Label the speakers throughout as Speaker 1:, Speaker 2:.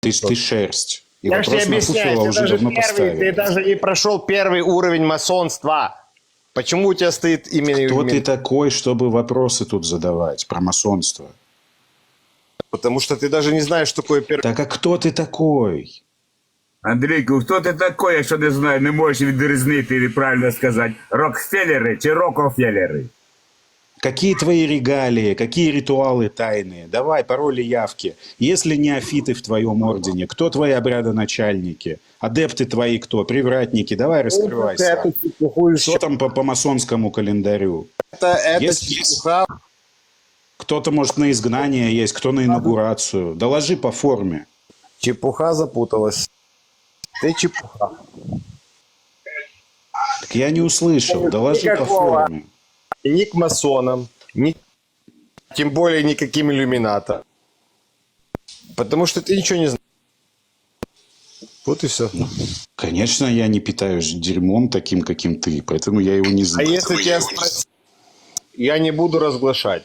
Speaker 1: Ты шерсть. И
Speaker 2: Я же тебе
Speaker 1: вопрос на
Speaker 2: объясняю,
Speaker 1: Пуфила
Speaker 2: ты
Speaker 1: уже
Speaker 2: даже,
Speaker 1: давно
Speaker 2: первый, ты
Speaker 1: поставили.
Speaker 2: даже не прошел первый уровень масонства. Почему у тебя стоит именно...
Speaker 1: Кто ты такой, чтобы вопросы тут задавать про масонство?
Speaker 2: Потому что ты даже не знаешь, что такое первый...
Speaker 1: Так а кто ты такой?
Speaker 3: Андрійку, хто ти такий, якщо не знаю, не можеш відрізнити і правильно сказати, Рокфеллери чи Рокофеллери?
Speaker 1: Какие твои регалии, какие ритуалы тайные? Давай, пароли, явки. Если неофиты в твоем ордене, кто твои обрядоначальники? Адепты твои кто? Привратники? Давай, раскрывайся. Что там по масонскому календарю?
Speaker 2: Это
Speaker 1: Если
Speaker 2: чепуха.
Speaker 1: кто-то, может, на изгнание есть, кто на инаугурацию. Доложи по форме.
Speaker 2: Чепуха запуталась. Ты чепуха.
Speaker 1: Так я не услышал. Доложи по
Speaker 2: Никакого.
Speaker 1: форме.
Speaker 2: И ни к масонам, ни... тем более никаким иллюминатам. Потому что ты ничего не знаешь. Вот и все.
Speaker 1: Конечно, я не питаюсь дерьмом таким, каким ты, поэтому я его не
Speaker 2: А
Speaker 1: знаю.
Speaker 2: если тебя спросить, я не буду разглашать.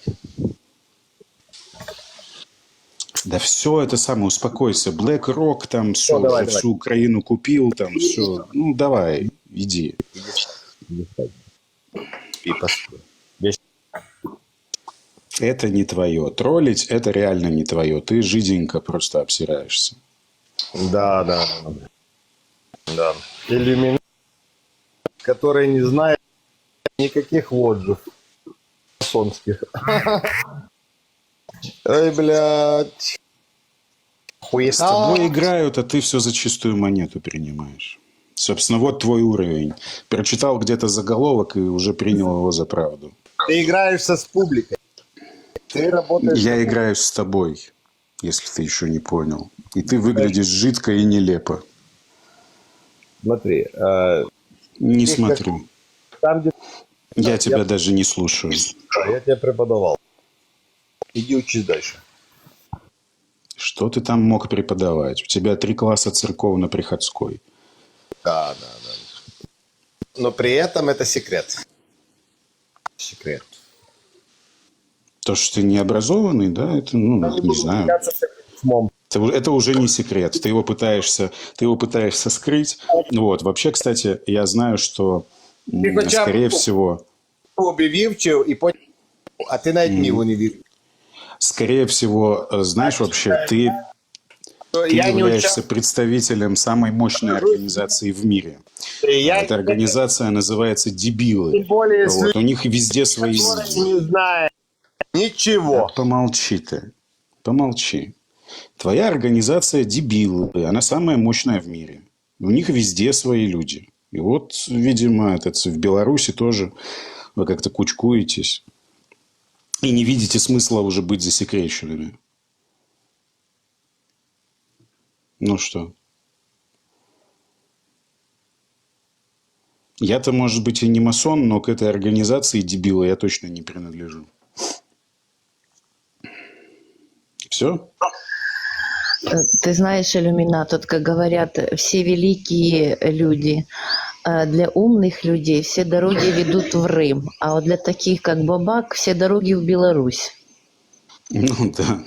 Speaker 1: Да все это самое, успокойся. Black Rock там все,
Speaker 2: давай,
Speaker 1: уже
Speaker 2: давай.
Speaker 1: всю Украину купил, там все. Ну, давай, иди.
Speaker 2: И постой.
Speaker 1: Это не твое. Троллить – это реально не твое. Ты жиденько просто обсираешься.
Speaker 2: Да. Иллюминат, который не знает никаких отзывов масонских. Ой, блядь.
Speaker 1: С тобой играют, а ты все за чистую монету принимаешь. Собственно, вот твой уровень. Прочитал где-то заголовок и уже принял его за правду.
Speaker 2: Ты играешься с публикой. Ты работаешь...
Speaker 1: Я играюсь с тобой, если ты еще не понял. И ты выглядишь жидко и нелепо.
Speaker 2: Смотри.
Speaker 1: Не смотрю.
Speaker 2: Там, где...
Speaker 1: Я тебя даже не слушаю.
Speaker 2: Я тебя преподавал. Иди учись дальше.
Speaker 1: Что ты там мог преподавать? У тебя 3 класса церковно-приходской.
Speaker 2: Да. Но при этом это секрет. Секрет.
Speaker 1: То, что ты необразованный, да, это, ну, не знаю. Это уже не секрет. Ты его пытаешься скрыть. Вот. Вообще, кстати, я знаю, что, скорее всего...
Speaker 2: Убививчив и понял, а ты на него не видишь.
Speaker 1: Скорее всего, знаешь, вообще, ты являешься представителем самой мощной организации в мире. Эта организация называется «Дебилы». Вот. У них везде свои люди.
Speaker 2: Не знаю ничего.
Speaker 1: Помолчи ты. Помолчи. Твоя организация «Дебилы». Она самая мощная в мире. У них везде свои люди. И вот, видимо, в Беларуси тоже вы как-то кучкуетесь. И не видите смысла уже быть засекреченными. Ну что? Я-то, может быть, и не масон, но к этой организации дебила я точно не принадлежу. Все?
Speaker 4: Ты знаешь, иллюминат, вот как говорят, все великие люди, для умных людей все дороги ведут в Рим, а вот для таких, как Бабак, все дороги в Беларусь.
Speaker 1: Ну, да.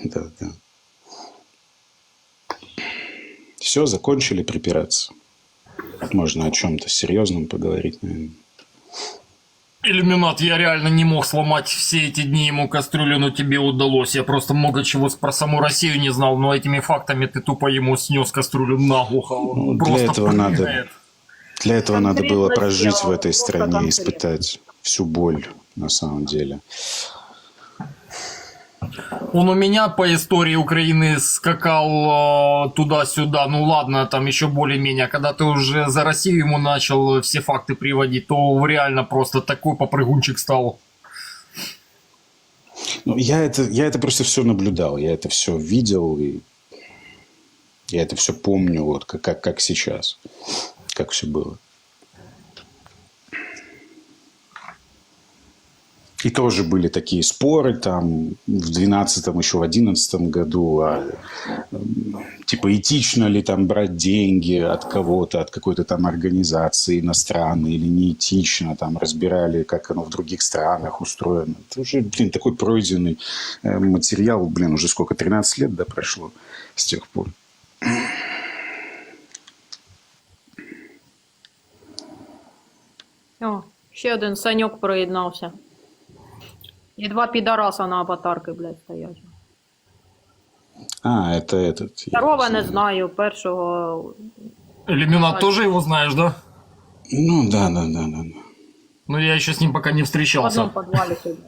Speaker 1: Все, закончили припираться. Можно о чем-то серьезном поговорить, наверное.
Speaker 5: Иллюминат, я реально не мог сломать все эти дни ему кастрюлю, но тебе удалось. Я просто много чего про саму Россию не знал, но этими фактами ты тупо ему снес кастрюлю наглухо. Он
Speaker 1: Для
Speaker 5: просто
Speaker 1: этого надо было прожить в этой стране, испытать всю боль, на самом деле.
Speaker 5: Он у меня по истории Украины скакал туда-сюда, ну ладно, там еще более-менее. Когда ты уже за Россию ему начал все факты приводить, то реально просто такой попрыгунчик стал.
Speaker 1: Ну, я это просто все наблюдал, я это все видел, и я это все помню, вот как сейчас, как все было. И тоже были такие споры там в 12-м, еще в 11-м году, типа этично ли там брать деньги от кого-то, от какой-то там организации иностранной или не этично, там разбирали, как оно в других странах устроено. Это уже, такой пройденный материал, уже сколько, 13 лет, да, прошло с тех пор.
Speaker 6: О, ще один Саньок приєднався. І два підараса на аватарки, блядь, стоять.
Speaker 1: А, это этот. я
Speaker 6: Второго не
Speaker 1: знаю.
Speaker 6: знаю, першого...
Speaker 5: Иллюминат тоже его знаешь, да?
Speaker 1: Ну, да.
Speaker 5: Ну, я еще с ним пока не
Speaker 6: В
Speaker 5: встречался.
Speaker 6: одному підвалі сидять.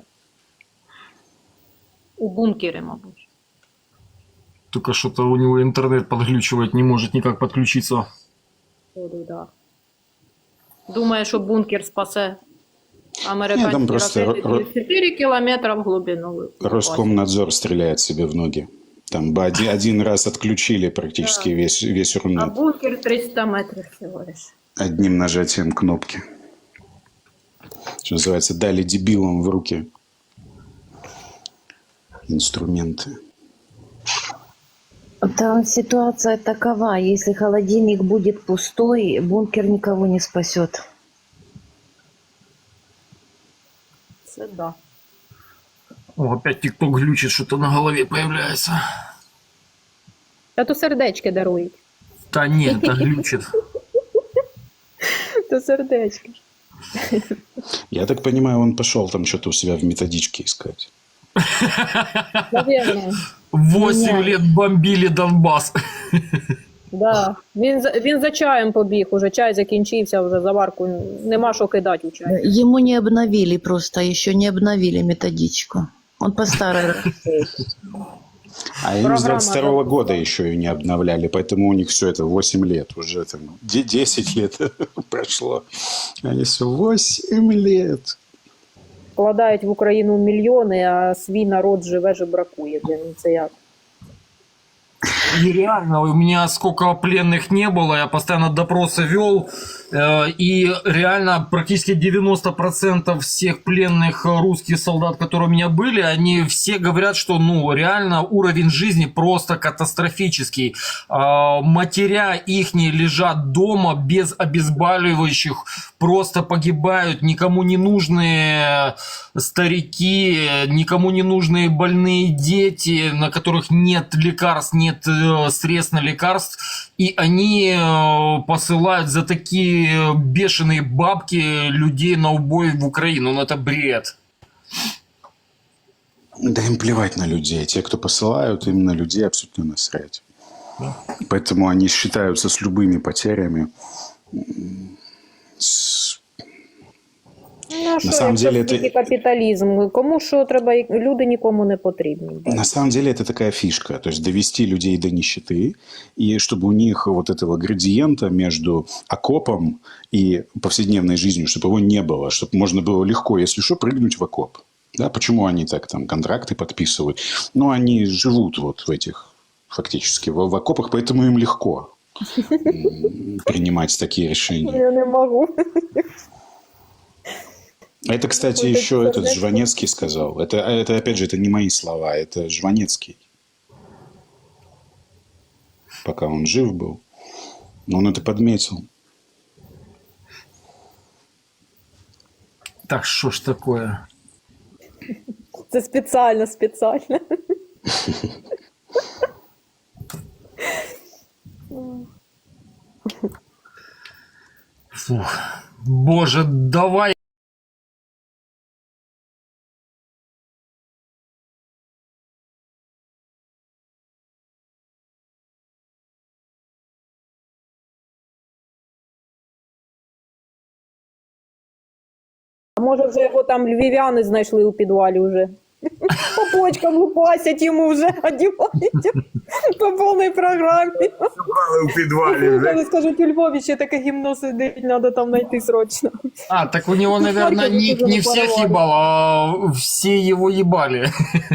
Speaker 6: У бункері, мабуть.
Speaker 5: Только что-то у него интернет подглючивает, не может никак подключиться.
Speaker 6: Ходу, да. Думає, що бункер спасе
Speaker 1: Ні, там
Speaker 6: американські
Speaker 1: просто
Speaker 6: ракети 4 кілометри в глибину.
Speaker 1: Роскомнадзор стреляет себе в ноги. Там бы один раз отключили практически весь
Speaker 6: А
Speaker 1: Рунет
Speaker 6: бункер 300 метрів всього лиш.
Speaker 1: одним нажатием кнопки. Что называется, дали дебилам в руки инструменты.
Speaker 4: Там ситуация такова, если холодильник будет пустой, бункер никого не спасет.
Speaker 6: Це да.
Speaker 5: О, опять ТикТок глючит, что-то на голове появляется.
Speaker 6: Та то сердечки дарують.
Speaker 5: Да нет, да глючит.
Speaker 6: То сердечки.
Speaker 1: Я так понимаю, он пошел там что-то у себя в методичке искать.
Speaker 6: Навірно.
Speaker 5: 8 лет бомбили Донбасс.
Speaker 6: Да. Він за чаєм побіг, уже чай закінчився, вже заварку нема що кидати у чай.
Speaker 4: Ему не обновили просто, еще не обновили методичку. Он по старой работает.
Speaker 1: А им с
Speaker 6: Программа,
Speaker 1: 22
Speaker 6: да.
Speaker 1: года еще ее не обновляли, поэтому у них все это 8 лет. Уже там 10 лет прошло. Они все 8 лет.
Speaker 6: Вкладають в Україну мільйони, а свій народ живе, жебракує. Блін, це як?
Speaker 5: И реально, у меня сколько пленных не было, я постоянно допросы вел, и реально практически 90% всех пленных русских солдат, которые у меня были, они все говорят, что ну реально уровень жизни просто катастрофический. Матеря ихние лежат дома без обезболивающих, просто погибают, никому не нужные старики, никому не нужные больные дети, на которых нет лекарств, нет средств на лекарств, и они посылают за такие бешеные бабки людей на убой в Украину. Ну это бред.
Speaker 1: Да им плевать на людей. Те, кто посылают, им на людей абсолютно насрать. Поэтому они считаются с любыми потерями.
Speaker 6: Ну, що,
Speaker 1: самом
Speaker 6: якщо
Speaker 1: деле,
Speaker 6: в світі
Speaker 1: это-
Speaker 6: капіталізм, кому що треба, люди нікому не потрібні.
Speaker 1: На самом деле это такая фишка. То есть довести людей до нищеты, и чтобы у них вот этого градиента между окопом и повседневной жизнью, чтобы его не было, чтобы можно было легко, если что, прыгнуть в окоп. Да, почему они так там контракты подписывают? Ну, они живут вот в этих, фактически, в окопах, поэтому им легко принимать такие решения.
Speaker 6: Я не можу.
Speaker 1: Это, кстати,
Speaker 6: Вот
Speaker 1: еще
Speaker 6: это
Speaker 1: этот
Speaker 6: сердечко.
Speaker 1: Жванецкий сказал. Это, опять же, это не мои слова, это Жванецкий. Пока он жив был. Но он это подметил.
Speaker 5: Так что ж такое?
Speaker 6: Це спеціально.
Speaker 5: Фух. Боже, давай.
Speaker 6: А може вже його там львів'яни знайшли у підвалі вже. По почкам лупасять йому вже, одівають по повній програмі.
Speaker 3: Шукали в підвалі вже.
Speaker 6: Вони скажуть, у Львові ще таке гімно сидить, треба там знайти срочно.
Speaker 5: А, так у него, наверное, не всех ебал, а все его ебали.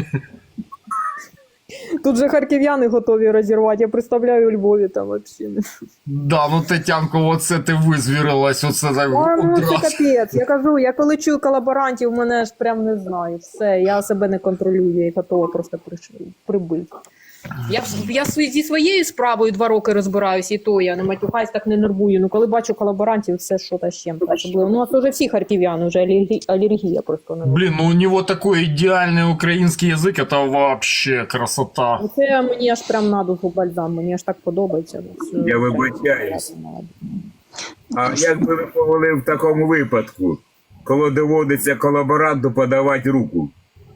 Speaker 6: Тут же харків'яни готові розірвати, я представляю у Львові там взагалі.
Speaker 5: Да, ну Тетянку, вот це ти визвірилась, оце так
Speaker 6: Ну, це
Speaker 5: одразу.
Speaker 6: капець. Я кажу, я коли чую колаборантів, мене ж прям не знаю. Все, я себе не контролюю, я готова просто прибити. Я зі своєю справою 2 роки розбираюся, і то я не матюхаюсь, так не нервую. Ну, коли бачу колаборантів, все що та з чим. Особливо. Ну, у нас вже всі харків'яни, вже алергія просто не
Speaker 5: Блин, ну у него такой идеальный украинский язык, это вообще красота.
Speaker 6: Це мені аж прям на душу бальзам, мені аж так подобається.
Speaker 3: Я вибачаюсь. А як би ви повели в такому випадку, коли доводиться колаборанту подавати руку,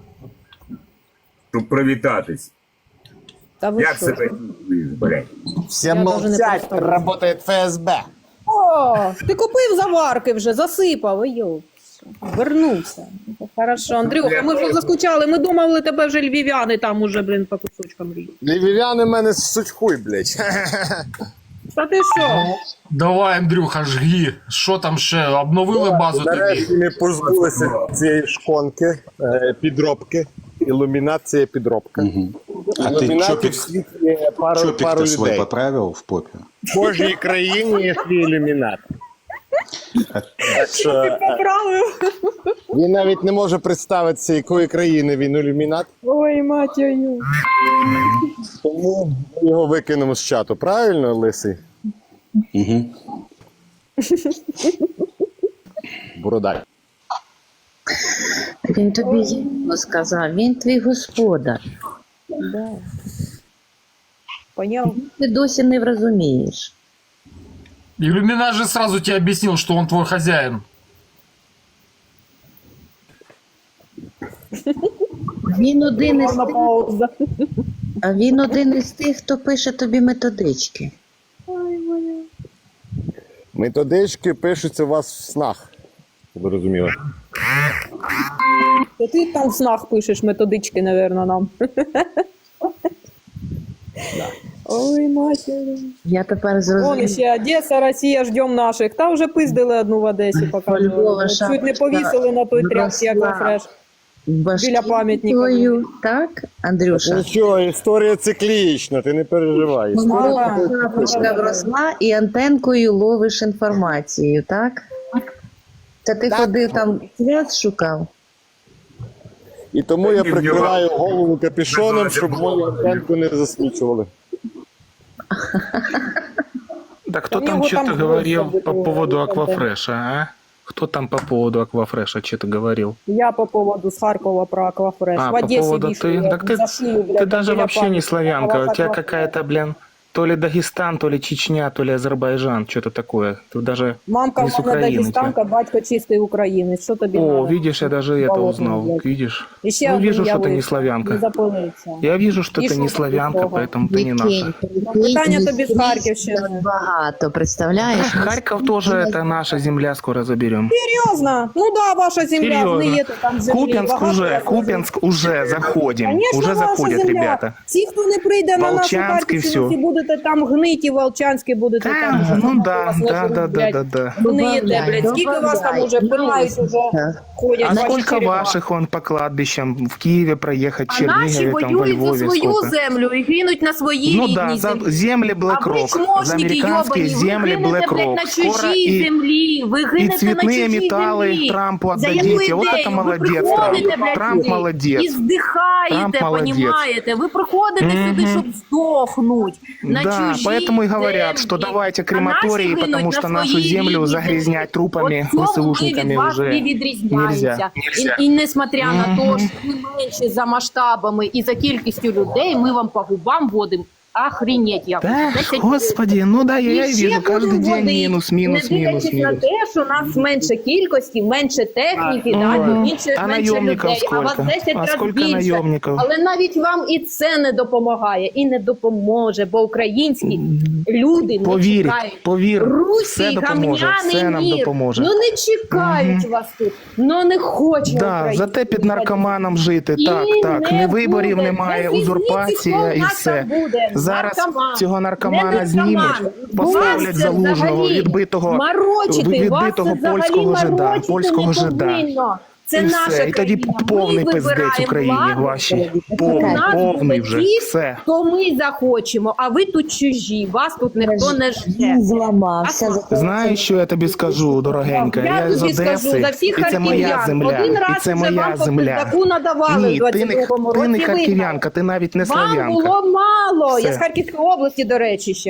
Speaker 3: щоб привітатись?
Speaker 6: Та ви
Speaker 3: Як
Speaker 6: що?
Speaker 3: себе чуєш, блядь?
Speaker 2: Все
Speaker 6: Я даже не
Speaker 2: молчать,
Speaker 6: представляю.
Speaker 2: работает ФСБ.
Speaker 6: О, ти купив заварки вже, засипав, йоп. Вернувся. Хорошо, Андрюха, ми вже заскучали, ми думали, тебе вже львів'яни там уже, блін, по кусочкам ріють.
Speaker 2: Львів'яни мене ссуть хуй, блядь.
Speaker 6: Та ти що?
Speaker 5: Давай, Андрюха, жги. Що там ще? Обновили базу тобі?
Speaker 2: Нарешті ми позбулися цієї шконки, підробки. Ілюмінат – це є підробка.
Speaker 1: А ты
Speaker 2: Ілюмінатів в світі є пару
Speaker 1: чопик-то свой
Speaker 2: людей.
Speaker 1: поправил в попе?
Speaker 2: В кожній країні є свій ілюмінат. Так що
Speaker 6: Поправив.
Speaker 2: він навіть не може представитися, якої країни він ілюмінат,
Speaker 6: Ой, матію.
Speaker 2: тому ми його викинемо з чату. Правильно, Лисий?
Speaker 1: Угу.
Speaker 2: Бородай.
Speaker 4: Він тобі зімно сказав, він твій господар.
Speaker 6: Да. Поняв?
Speaker 4: Ти досі не розумієш.
Speaker 5: Иллюминат же сразу тебе объяснил, что он твой хозяин.
Speaker 4: Він один із тих,
Speaker 6: Пауза.
Speaker 4: а він один із тих, хто пише тобі методички.
Speaker 2: Методички пишуться у вас в снах. Щоб ви розуміли.
Speaker 6: Та ти там в снах пишеш методички, напевно, нам. Ой, матері.
Speaker 4: Я тепер
Speaker 6: Вон
Speaker 4: зрозумів.
Speaker 6: ще Одеса, Росія, ждем наших. Та вже пиздили одну в Одесі, показували.
Speaker 4: Львова,
Speaker 6: Чуть не
Speaker 4: шапочка
Speaker 6: повісили на той тряпці, як
Speaker 4: росла.
Speaker 6: фреш.
Speaker 4: Башки
Speaker 6: біля пам'ятника.
Speaker 4: твою, так, Андрюша?
Speaker 2: Нічого, історія циклічна, ти не переживай.
Speaker 4: Шапочка вросла і антенкою ловиш інформацію, так? Та ти ходив там свят шукав?
Speaker 2: І тому я прикриваю голову капюшоном, щоб мою антенку не засвічували.
Speaker 7: Да кто
Speaker 6: У
Speaker 7: там
Speaker 6: него
Speaker 7: что-то
Speaker 6: там
Speaker 7: говорил
Speaker 6: просто
Speaker 7: по
Speaker 6: было,
Speaker 7: поводу
Speaker 6: вот это.
Speaker 7: Аквафреша, а? Кто там по поводу Аквафреша что-то говорил?
Speaker 6: Я по поводу с Харькова про Аквафреш.
Speaker 7: А,
Speaker 6: В
Speaker 7: по
Speaker 6: Одессе
Speaker 7: поводу
Speaker 6: вешали,
Speaker 7: ты? Так ты,
Speaker 6: за шию, блядь,
Speaker 7: ты даже
Speaker 6: біля
Speaker 7: вообще не
Speaker 6: памятника.
Speaker 7: славянка. У тебя
Speaker 6: Аквафреш.
Speaker 7: какая-то, блин, то ли Дагестан, то ли Чечня, то ли Азербайджан, что-то такое. Ты даже
Speaker 6: Мамка
Speaker 7: не
Speaker 6: в
Speaker 7: с
Speaker 6: мене
Speaker 7: Украины.
Speaker 6: дагестанка, батько чистий українець. Що тобі
Speaker 7: О,
Speaker 6: надо?
Speaker 7: видишь, я даже это
Speaker 6: Болотный,
Speaker 7: узнал.
Speaker 6: блядь.
Speaker 7: Видишь?
Speaker 6: І ще
Speaker 7: Ну,
Speaker 6: один
Speaker 7: вижу,
Speaker 6: я
Speaker 7: что ты не
Speaker 6: вийшов,
Speaker 7: славянка.
Speaker 6: Не запилився.
Speaker 7: Я вижу, что
Speaker 6: И
Speaker 7: ты
Speaker 6: что
Speaker 7: не
Speaker 6: ты
Speaker 7: славянка,
Speaker 6: такого?
Speaker 7: поэтому ты не наша.
Speaker 6: Питання тобі з Харківщини.
Speaker 4: Багато, представляєш?
Speaker 7: Харьков тоже это наша земля, скоро заберем.
Speaker 6: Серйозно? Ну да, ваша земля,
Speaker 7: Серьезно.
Speaker 6: гниєте там землі.
Speaker 7: Купянск
Speaker 6: багато
Speaker 7: уже,
Speaker 6: вас
Speaker 7: Купянск уже заходим.
Speaker 6: Конечно,
Speaker 7: Уже
Speaker 6: ваша
Speaker 7: заходят
Speaker 6: земля.
Speaker 7: ребята.
Speaker 6: Ті, хто не прийде на нашу
Speaker 7: Волчанськ і
Speaker 6: Харківщину,
Speaker 7: всьо.
Speaker 6: ті будете там гниті, Волчанські будете там. вже
Speaker 7: Ну
Speaker 6: там
Speaker 7: да,
Speaker 6: вас
Speaker 7: да,
Speaker 6: нажруть,
Speaker 7: да,
Speaker 6: блядь.
Speaker 7: да, да.
Speaker 6: Гниєте, блядь. Скільки вас там уже пинають, уже ходять
Speaker 7: А
Speaker 6: ваші
Speaker 7: сколько
Speaker 6: черепа?
Speaker 7: ваших он по кладбищам в Киеве проехать,
Speaker 6: А наші
Speaker 7: Чернигове, там во
Speaker 6: воюють за
Speaker 7: Львове
Speaker 6: свою
Speaker 7: сколько?
Speaker 6: землю і гинуть на своїй
Speaker 7: Ну
Speaker 6: рідній
Speaker 7: да, за
Speaker 6: землі.
Speaker 7: земли
Speaker 6: А ви
Speaker 7: BlackRock, за
Speaker 6: чмошники
Speaker 7: американские
Speaker 6: йобані, ви
Speaker 7: земли
Speaker 6: гинете, блядь,
Speaker 7: BlackRock.
Speaker 6: на
Speaker 7: Скоро
Speaker 6: чужій
Speaker 7: и,
Speaker 6: землі, ви
Speaker 7: и
Speaker 6: гинете на
Speaker 7: цветные
Speaker 6: чужій
Speaker 7: металлы
Speaker 6: землі.
Speaker 7: Трампу
Speaker 6: За яку
Speaker 7: отдадите. Вот
Speaker 6: ідею?
Speaker 7: это
Speaker 6: Ви
Speaker 7: молодец,
Speaker 6: приходите,
Speaker 7: Трамп.
Speaker 6: блядь,
Speaker 7: Трамп
Speaker 6: сюди
Speaker 7: молодец.
Speaker 6: І здихаєте,
Speaker 7: Трамп молодець.
Speaker 6: понімаєте? Ви приходите сюди, щоб здохнуть на
Speaker 7: Да,
Speaker 6: чужій
Speaker 7: поэтому и говорят,
Speaker 6: землі.
Speaker 7: что давайте
Speaker 6: А
Speaker 7: крематории,
Speaker 6: наші гинуть
Speaker 7: потому
Speaker 6: на
Speaker 7: что нашу
Speaker 6: своїй
Speaker 7: землю
Speaker 6: рідній
Speaker 7: загрязнять трупами,
Speaker 6: От цьому ми
Speaker 7: ВСУшниками
Speaker 6: від вас
Speaker 7: уже
Speaker 6: не відрізняємося.
Speaker 7: нельзя.
Speaker 6: І несмотря на те, що ми менші за масштабами і за кількістю людей, ми вам по губам водимо. Охренеть, як.
Speaker 7: Да,
Speaker 6: 10
Speaker 7: господи, ну да, я
Speaker 6: І
Speaker 7: и
Speaker 6: ще
Speaker 7: вижу каждый
Speaker 6: будемо
Speaker 7: день
Speaker 6: водити,
Speaker 7: минус, минус,
Speaker 6: не
Speaker 7: минус,
Speaker 6: дивлячись на
Speaker 7: минус.
Speaker 6: те, що нас менше кількості, менше техніки, да, менше
Speaker 7: А
Speaker 6: менше
Speaker 7: наемников
Speaker 6: людей, а вас
Speaker 7: сколько?
Speaker 6: 10
Speaker 7: А
Speaker 6: разів
Speaker 7: сколько
Speaker 6: більше.
Speaker 7: наемников?
Speaker 6: Але навіть вам і це не допомагає, і не допоможе, бо українські люди не
Speaker 7: Повір,
Speaker 6: чекають.
Speaker 7: повір, все
Speaker 6: Руський
Speaker 7: допоможе, все
Speaker 6: гамняний
Speaker 7: нам
Speaker 6: мір.
Speaker 7: допоможе.
Speaker 6: Ну не чекають вас тут, ну не хоче
Speaker 7: Да,
Speaker 6: Україна.
Speaker 7: зате під наркоманом жити.
Speaker 6: І
Speaker 7: Так, так.
Speaker 6: не
Speaker 7: Не виборів
Speaker 6: буде.
Speaker 7: немає,
Speaker 6: Без
Speaker 7: узурпація
Speaker 6: різниці,
Speaker 7: і
Speaker 6: хто
Speaker 7: все.
Speaker 6: в нас там буде.
Speaker 7: Зараз
Speaker 6: Наркоман.
Speaker 7: цього наркомана
Speaker 6: Не
Speaker 7: знімуть,
Speaker 6: наркоман.
Speaker 7: поставлять
Speaker 6: Вас це
Speaker 7: залужного,
Speaker 6: взагалі
Speaker 7: відбитого
Speaker 6: морочити, вас це взагалі
Speaker 7: польського жида,
Speaker 6: морочити
Speaker 7: польського
Speaker 6: не
Speaker 7: жида.
Speaker 6: повинно. Це
Speaker 7: І
Speaker 6: наша
Speaker 7: все. І тоді
Speaker 6: країна.
Speaker 7: повний
Speaker 6: Ми
Speaker 7: пиздець
Speaker 6: вибираємо
Speaker 7: Україні
Speaker 6: владу.
Speaker 7: вашій.
Speaker 6: У
Speaker 7: Повний,
Speaker 6: нас
Speaker 7: повний
Speaker 6: будуть
Speaker 7: вже.
Speaker 6: ті,
Speaker 7: Все.
Speaker 6: хто ми захочемо, а ви тут чужі, вас тут ніхто не жде.
Speaker 4: Він зламався. за те,
Speaker 7: Знаєш, що я тобі скажу, дорогенька?
Speaker 6: Я
Speaker 7: з
Speaker 6: тобі скажу,
Speaker 7: Одеси,
Speaker 6: за всіх
Speaker 7: і це моя
Speaker 6: харків'ян.
Speaker 7: земля,
Speaker 6: Один
Speaker 7: і
Speaker 6: раз
Speaker 7: це
Speaker 6: вже
Speaker 7: моя
Speaker 6: вам по
Speaker 7: земля.
Speaker 6: пиздаку надавали
Speaker 7: Ні,
Speaker 6: в
Speaker 7: ти
Speaker 6: 22-му
Speaker 7: не
Speaker 6: році.
Speaker 7: харків'янка, ти навіть не
Speaker 6: Вам
Speaker 7: слав'янка.
Speaker 6: було мало. Я
Speaker 7: Все.
Speaker 6: з Харківської області, до речі, ще.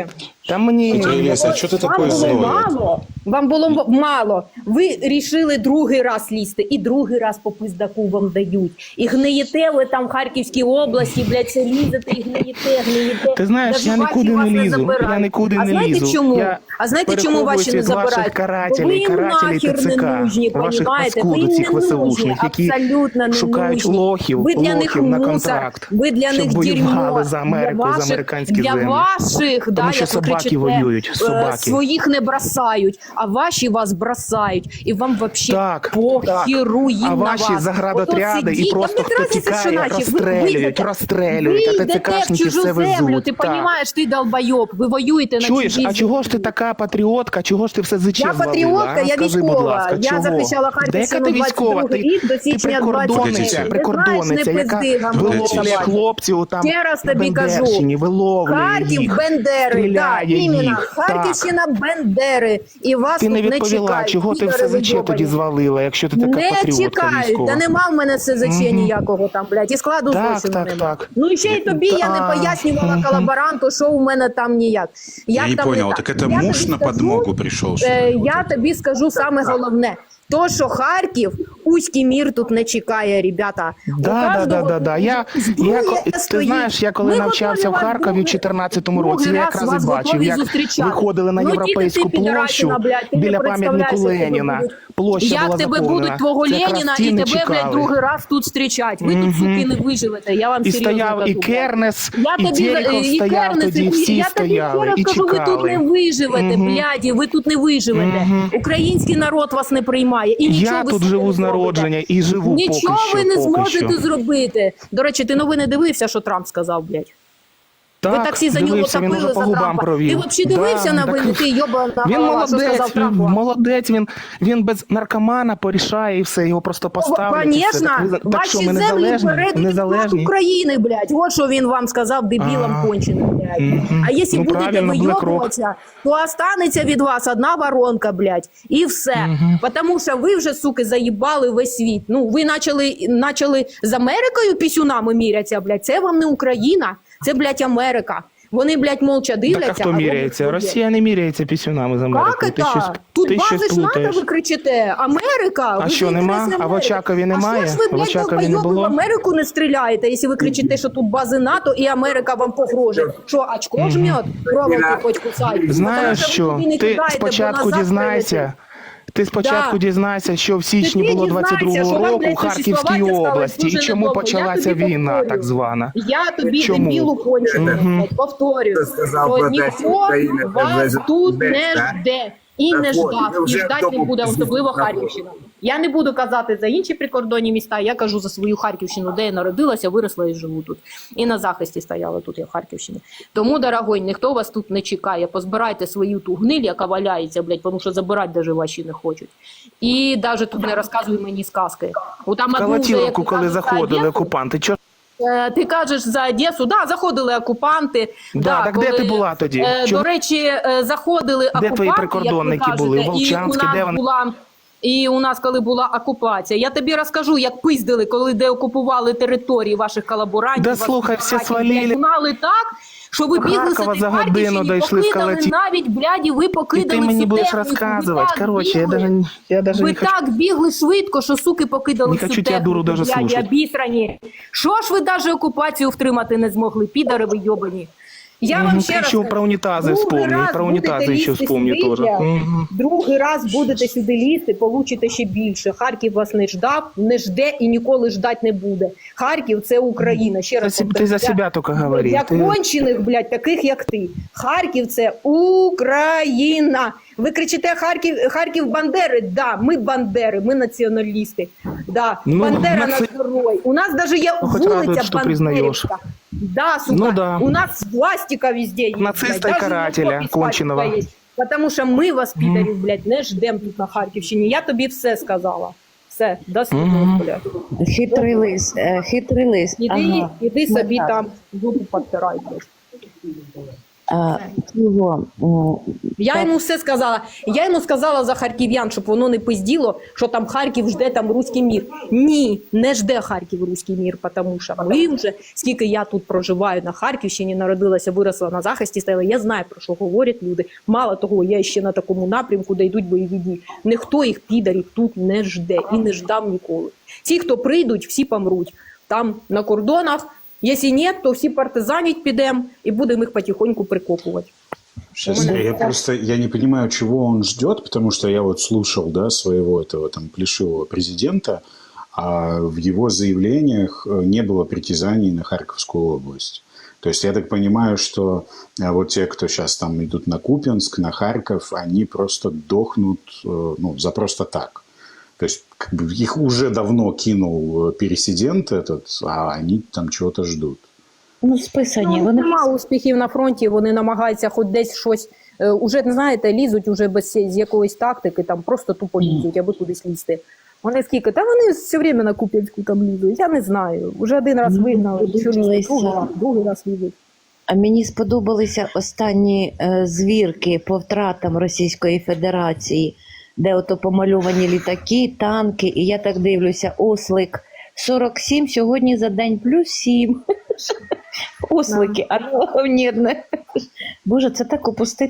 Speaker 7: Та мені...
Speaker 1: Тетя Елеся, что ты такой
Speaker 6: Вам було
Speaker 1: злой?
Speaker 6: мало, вам було мало. Ви рішили другий раз лізти, і другий раз по пиздаку вам дають. І гниєте ви там в Харківській області, блядь, це лізете і гниєте.
Speaker 7: Ти знаєш,
Speaker 6: Даже
Speaker 7: я
Speaker 6: ваші
Speaker 7: нікуди
Speaker 6: вас
Speaker 7: не лізу,
Speaker 6: забирають.
Speaker 7: я нікуди
Speaker 6: А
Speaker 7: не
Speaker 6: знаєте
Speaker 7: лізу.
Speaker 6: чому?
Speaker 7: Я
Speaker 6: А знаєте, чому ваші не
Speaker 7: переховуюсь від ваших
Speaker 6: забирають?
Speaker 7: карателей,
Speaker 6: Бо ви їм
Speaker 7: карателей
Speaker 6: нахер
Speaker 7: ТЦК,
Speaker 6: не нужні,
Speaker 7: ваших
Speaker 6: понімаєте? Ви
Speaker 7: паскуд,
Speaker 6: їм
Speaker 7: цих
Speaker 6: не нужні,
Speaker 7: ВСУшних, які
Speaker 6: абсолютно не
Speaker 7: шукають
Speaker 6: нужні.
Speaker 7: лохів,
Speaker 6: Ви для них
Speaker 7: на
Speaker 6: мусор,
Speaker 7: контракт,
Speaker 6: ви для
Speaker 7: щоб
Speaker 6: них
Speaker 7: воювали
Speaker 6: дерьмо.
Speaker 7: за Америку, за американські
Speaker 6: для
Speaker 7: землі.
Speaker 6: ваших, да,
Speaker 7: Тому що
Speaker 6: як ви
Speaker 7: собаки
Speaker 6: кричите,
Speaker 7: воюють, собаки.
Speaker 6: своїх не бросають, а ваші вас бросають. І вам вообще
Speaker 7: Так,
Speaker 6: похеру їм
Speaker 7: а
Speaker 6: на
Speaker 7: ваші
Speaker 6: вас.
Speaker 7: заградотряди
Speaker 6: Ото
Speaker 7: і
Speaker 6: сидіть,
Speaker 7: просто
Speaker 6: там не
Speaker 7: хто
Speaker 6: разниця, що
Speaker 7: тікає,
Speaker 6: наші.
Speaker 7: розстрелюють,
Speaker 6: Ви
Speaker 7: а
Speaker 6: йдете в
Speaker 7: ТЦКшники
Speaker 6: чужу
Speaker 7: все
Speaker 6: землю,
Speaker 7: везуть.
Speaker 6: ти
Speaker 7: Так.
Speaker 6: розумієш, ти долбойоб, ви воюєте на
Speaker 7: Чуєш,
Speaker 6: чужій
Speaker 7: а чого ж ти така патріотка, чого ж ти все зичем
Speaker 6: Я
Speaker 7: звалила?
Speaker 6: патріотка, я
Speaker 7: Скажи, будь
Speaker 6: військова.
Speaker 7: ласка,
Speaker 6: Я
Speaker 7: чого?
Speaker 6: захищала Харківщину
Speaker 7: Дека ти військова?
Speaker 6: 22 рік до січня 23.
Speaker 7: Прикордонниця, яка виловлює хлопців там
Speaker 6: Ще раз
Speaker 7: на
Speaker 6: тобі кажу.
Speaker 7: Бендерщині, виловлює
Speaker 6: Харків,
Speaker 7: їх,
Speaker 6: Бендери, да,
Speaker 7: стріляє
Speaker 6: іменно.
Speaker 7: їх.
Speaker 6: Харківщина, Бендери. І вас
Speaker 7: Ти
Speaker 6: тут
Speaker 7: не
Speaker 6: не
Speaker 7: відповіла,
Speaker 6: чекають.
Speaker 7: чого ти
Speaker 6: підари
Speaker 7: все ЗЧ
Speaker 6: вийобані.
Speaker 7: тоді звалила, якщо ти така
Speaker 6: Не
Speaker 7: патріотка
Speaker 6: чекають,
Speaker 7: військова.
Speaker 6: та нема в мене СЗЧ ніякого там, блядь, і складу
Speaker 7: Так,
Speaker 6: злочину
Speaker 7: так,
Speaker 6: нема.
Speaker 7: так.
Speaker 6: Ну і ще й тобі я не пояснювала колаборанту, що у мене там ніяк.
Speaker 1: Я
Speaker 6: Як
Speaker 1: не
Speaker 6: там
Speaker 1: понял,
Speaker 6: так?
Speaker 1: так это
Speaker 6: Я
Speaker 1: муж
Speaker 6: тобі
Speaker 1: на
Speaker 6: скажу,
Speaker 1: подмогу пришел, что ли?
Speaker 6: Я тобі скажу саме головне. То, що Харків, Уський мір тут не чекає, ребята. У кожного
Speaker 7: Да. Я,
Speaker 6: зброя
Speaker 7: ти
Speaker 6: стоїть.
Speaker 7: знаєш, я коли
Speaker 6: Ми
Speaker 7: навчався в
Speaker 6: готові вас
Speaker 7: Харкові в
Speaker 6: другий-
Speaker 7: 14-му році,
Speaker 6: другий
Speaker 7: я
Speaker 6: раз
Speaker 7: якраз
Speaker 6: вас
Speaker 7: і бачив,
Speaker 6: готові
Speaker 7: як
Speaker 6: зустрічати.
Speaker 7: виходили на
Speaker 6: Ну, тільки
Speaker 7: Європейську
Speaker 6: ти,
Speaker 7: площу
Speaker 6: підарасина, блядь, ти не
Speaker 7: біля
Speaker 6: представляєш,
Speaker 7: пам'ятнику
Speaker 6: як тебе
Speaker 7: Леніна.
Speaker 6: будуть.
Speaker 7: Площа
Speaker 6: Як
Speaker 7: була
Speaker 6: тебе
Speaker 7: заповнена.
Speaker 6: будуть твого
Speaker 7: Це якраз
Speaker 6: Леніна
Speaker 7: ті
Speaker 6: і
Speaker 7: не
Speaker 6: тебе, блядь,
Speaker 7: чекали.
Speaker 6: другий раз тут зустрічать. Ви тут, суки, не виживете, я вам
Speaker 7: І
Speaker 6: серйозно
Speaker 7: стояв
Speaker 6: кажу.
Speaker 7: і
Speaker 6: блядь.
Speaker 7: Кернес,
Speaker 6: Я
Speaker 7: і
Speaker 6: тобі
Speaker 7: Терехов
Speaker 6: і
Speaker 7: стояв
Speaker 6: Кернес,
Speaker 7: тоді,
Speaker 6: і
Speaker 7: всі
Speaker 6: я тобі ще
Speaker 7: стояли
Speaker 6: раз
Speaker 7: і
Speaker 6: кажу, ви тут не
Speaker 7: чекали.
Speaker 6: виживете, бляді, ви тут не виживете. Український народ вас не приймає. І нічого
Speaker 7: Я
Speaker 6: ви
Speaker 7: тут
Speaker 6: собі
Speaker 7: живу
Speaker 6: не
Speaker 7: з
Speaker 6: зробите.
Speaker 7: народження і живу
Speaker 6: Нічого
Speaker 7: поки що.
Speaker 6: ви не
Speaker 7: поки
Speaker 6: зможете
Speaker 7: що.
Speaker 6: зробити. До речі, ти новини дивився, що Трамп сказав, блядь?
Speaker 7: Так,
Speaker 6: Ви так всі за нього
Speaker 7: дивився, він
Speaker 6: топили
Speaker 7: уже
Speaker 6: за
Speaker 7: по губам
Speaker 6: Трампа.
Speaker 7: провів.
Speaker 6: Ти взагалі дивився
Speaker 7: Да,
Speaker 6: новини?
Speaker 7: так.
Speaker 6: Ти йобана
Speaker 7: Він
Speaker 6: голова, що сказав
Speaker 7: молодець,
Speaker 6: Трамп?
Speaker 7: він без наркомана порішає і все, його просто поставлять. і все.
Speaker 6: Конечно,
Speaker 7: Так що,
Speaker 6: ваші
Speaker 7: ми
Speaker 6: землі
Speaker 7: незалежні?
Speaker 6: перейдуть
Speaker 7: Незалежні?
Speaker 6: України, блядь. Вот що він вам сказав, дебілам конченим, блядь. А якщо
Speaker 7: Ну,
Speaker 6: будете
Speaker 7: правильно,
Speaker 6: вийобуватися, то останеться від вас одна воронка, блядь, і все. Потому що ви вже, суки, заїбали весь світ. Ну, ви почали з Америкою пісюнами мірятися, блядь. Це вам не Україна, це, блядь, Америка. Вони, блядь, молча дивляться.
Speaker 7: Так а хто
Speaker 6: ви
Speaker 7: міряється?
Speaker 6: ходять.
Speaker 7: Росія не міряється пісюнами з Америкою.
Speaker 6: Як це? Тут
Speaker 7: ти
Speaker 6: бази
Speaker 7: щось
Speaker 6: ж НАТО,
Speaker 7: плутаєш.
Speaker 6: ви кричите. Америка.
Speaker 7: А
Speaker 6: ви
Speaker 7: що,
Speaker 6: за
Speaker 7: нема?
Speaker 6: інтереси
Speaker 7: А в
Speaker 6: Америки.
Speaker 7: Очакові немає?
Speaker 6: А що ж ви,
Speaker 7: В
Speaker 6: блядь,
Speaker 7: Очакові не
Speaker 6: долбойоби, в
Speaker 7: було?
Speaker 6: Америку не стріляєте, якщо ви кричите, що тут бази НАТО і Америка вам погрожує? Що, очко жмет? Проволоку хоч кусай.
Speaker 7: Знаєш
Speaker 6: Тому
Speaker 7: що?
Speaker 6: ви туди не
Speaker 7: Ти
Speaker 6: кидаєте, бо
Speaker 7: спочатку
Speaker 6: назад
Speaker 7: дізнайся.
Speaker 6: прилетить.
Speaker 7: Ти спочатку
Speaker 6: Да.
Speaker 7: дізнайся, що в січні
Speaker 6: Ти
Speaker 7: було
Speaker 6: дізнайся,
Speaker 7: 22-го
Speaker 6: що вам,
Speaker 7: року
Speaker 6: блядь,
Speaker 7: в Харківській
Speaker 6: существувати стало
Speaker 7: області і
Speaker 6: дуже
Speaker 7: чому
Speaker 6: недовго.
Speaker 7: почалася
Speaker 6: Я тобі
Speaker 7: війна,
Speaker 6: повторю.
Speaker 7: так звана.
Speaker 6: Я тобі
Speaker 7: Чому?
Speaker 6: дебілу кончену, повторюю,
Speaker 3: Хто сказав
Speaker 6: що
Speaker 3: про те, що
Speaker 6: ніхто
Speaker 3: Україна
Speaker 6: вас
Speaker 3: це
Speaker 6: тут
Speaker 3: без,
Speaker 6: не
Speaker 3: так?
Speaker 6: жде. І
Speaker 3: Так
Speaker 6: не
Speaker 3: от,
Speaker 6: ждав,
Speaker 3: ми
Speaker 6: і
Speaker 3: вже
Speaker 6: ждать не
Speaker 3: вдома
Speaker 6: буде, особливо
Speaker 3: знаходимо.
Speaker 6: Харківщина. Я не буду казати за інші прикордонні міста, я кажу за свою Харківщину, де я народилася, виросла і живу тут. І на захисті стояла тут я в Харківщині. Тому, дорогой, ніхто вас тут не чекає. Позбирайте свою ту гниль, яка валяється, блядь, тому що забирати даже ваші не хочуть. І навіть тут не розказуй мені сказки. Там одну вже, як
Speaker 7: Калатіловку,
Speaker 6: ти
Speaker 7: коли
Speaker 6: кажеш, за
Speaker 7: заходили
Speaker 6: Одесу,
Speaker 7: окупанти. Чо?
Speaker 6: Ти кажеш за Одесу, да, заходили окупанти.
Speaker 7: Да, так де ти була тоді?
Speaker 6: До речі, заходили окупанти,
Speaker 7: твої прикордонники
Speaker 6: як ви
Speaker 7: були?
Speaker 6: кажете,
Speaker 7: Волчанські,
Speaker 6: і у
Speaker 7: де
Speaker 6: нас
Speaker 7: вони?
Speaker 6: була. І у нас, коли була окупація, я тобі розкажу, як пиздили, коли деокупували території ваших колаборантів.
Speaker 7: Да
Speaker 6: ваших
Speaker 7: слухай, всі
Speaker 6: братів,
Speaker 7: свалили.
Speaker 6: блядь, гнали так, що ви
Speaker 7: До
Speaker 6: бігли
Speaker 7: Харкова
Speaker 6: собі
Speaker 7: за
Speaker 6: в
Speaker 7: годину
Speaker 6: Харківщині,
Speaker 7: дійшли з
Speaker 6: покидали
Speaker 7: Калаті.
Speaker 6: навіть, бляді, ви
Speaker 7: І
Speaker 6: покидали
Speaker 7: ти мені
Speaker 6: всю
Speaker 7: будеш
Speaker 6: техніку,
Speaker 7: розказувати.
Speaker 6: ви так
Speaker 7: Короче, я
Speaker 6: бігли.
Speaker 7: даже
Speaker 6: Ви
Speaker 7: не хочу.
Speaker 6: так бігли швидко, що суки покидали
Speaker 7: Не
Speaker 6: всю
Speaker 7: хочу тебя, дуру,
Speaker 6: техніку,
Speaker 7: даже
Speaker 6: бляді,
Speaker 7: слушать.
Speaker 6: обісрані. Що ж ви навіть окупацію втримати не змогли, підари ви йобані? Я вам ще
Speaker 7: Ты
Speaker 6: раз
Speaker 7: еще
Speaker 6: кажу,
Speaker 7: про унитазы
Speaker 6: другий
Speaker 7: вспомни,
Speaker 6: раз
Speaker 7: про
Speaker 6: будете
Speaker 7: унитазы еще
Speaker 6: лізти
Speaker 7: вспомни
Speaker 6: сюди,
Speaker 7: тоже.
Speaker 6: блядь.
Speaker 7: Мгм.
Speaker 6: Другий раз будете сюди лізти, получите ще більше. Харків вас не ждав, не жде і ніколи ждать не буде. Харків – це Україна. Ще раз
Speaker 7: Ты за себя только говори.
Speaker 6: для
Speaker 7: Ты-
Speaker 6: кончених, блядь, таких як ти. Харків – це Україна. Ви кричите Харків Бандери? Да, ми Бандери, ми націоналісти. Да,
Speaker 7: Ну,
Speaker 6: Бандера
Speaker 7: наци-
Speaker 6: наш герой. У нас даже є
Speaker 7: Ну, хоть радует,
Speaker 6: вулиця
Speaker 7: что признаешь.
Speaker 6: Бандерівська. Да, сука,
Speaker 7: Ну да.
Speaker 6: у нас пластика везде есть.
Speaker 7: Нациста
Speaker 6: блядь.
Speaker 7: и
Speaker 6: Даже
Speaker 7: карателя
Speaker 6: на попе
Speaker 7: конченого.
Speaker 6: свастика есть. Потому що ми вас, підарів, блядь, не ждем тут на Харківщині. Я тобі все сказала. Все, до свидання, блядь.
Speaker 4: Хитрий лис, хитрий лис.
Speaker 6: Іди,
Speaker 4: Ага.
Speaker 6: іди собі
Speaker 4: так.
Speaker 6: там зубу підтирай, блядь.
Speaker 4: Цього,
Speaker 6: Я йому все сказала. Я йому сказала за харків'ян, щоб воно не пизділо, що там Харків жде там руський мір. Ні, не жде Харків руський мір, тому що ми вже, скільки я тут проживаю на Харківщині, народилася, виросла на захисті, стояла, я знаю, про що говорять люди. Мало того, я ще на такому напрямку, де йдуть бойові дії. Ніхто їх, підарів, тут не жде і не ждав ніколи. Ті, хто прийдуть, всі помруть. Там на кордонах. Якщо ні, то всі партизанять підемо і будемо їх потихоньку прикопувати.
Speaker 1: Сейчас я не понимаю, чего он ждет, потому что я вот слушал, да, своего этого там плешивого президента, а в его заявлениях не было притязаний на Харьковскую область. То есть я так понимаю, что вот те, кто сейчас там идут на Купянск, на Харьков, они просто дохнут, ну, за просто так. То есть как бы их уже давно кинул пересидент этот, а они там чего-то ждут.
Speaker 4: ну, списані. Вони
Speaker 6: Нема успіхів на фронті, вони намагаються хоч десь щось, уже, знаєте, лізуть уже без з якоїсь тактики, там просто тупо лізуть, аби кудись лізти. Вони скільки? Та вони все время на Куп'янську там лізуть, я не знаю. Уже один раз вигнали, що лізуть, другий раз лізуть.
Speaker 4: А мені сподобалися останні звірки по втратам Російської Федерації, де ото помальовані літаки, танки, і я так дивлюся, ослик 47, сьогодні за день плюс 7. Ослики, а ні, не. Боже, це так упустити.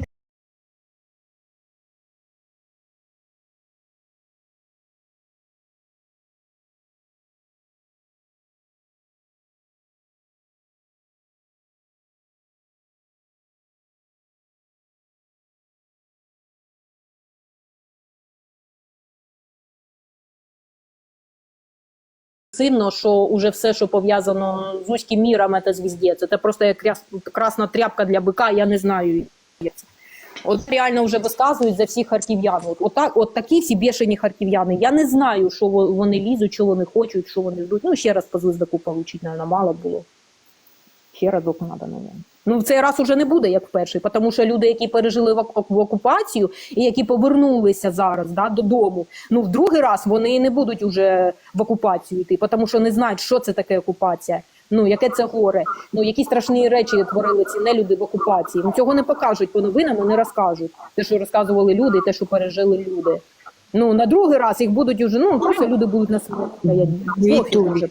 Speaker 6: Сильно, що уже все, що пов'язано з вузьким міром, це звіздець. Це просто як красна тряпка для бика, я не знаю. Як це. От реально вже висказують за всіх харків'ян. От такі всі бешені харків'яни. Я не знаю, що вони лізуть, що вони хочуть, що вони ждуть. Ну, ще раз по звіздаку получити, мабуть, мало було. Ще разок треба, мабуть. Ну, в цей раз уже не буде, як в перший, тому що люди, які пережили в окупацію і які повернулися зараз, да, додому, ну, в другий раз вони не будуть уже в окупацію йти, тому що не знають, що це таке окупація, ну, яке це горе, ну, які страшні речі творили ці нелюди в окупації. Ну, цього не покажуть по новинам і не розкажуть. Те, що розказували люди, те, що пережили люди. Ну, на другий раз їх будуть уже, ну, просто люди будуть на смерті.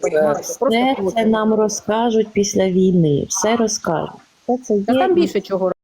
Speaker 4: Все це нам розкажуть після війни, все розкажуть. Це
Speaker 6: Та
Speaker 4: є.
Speaker 6: там більше чого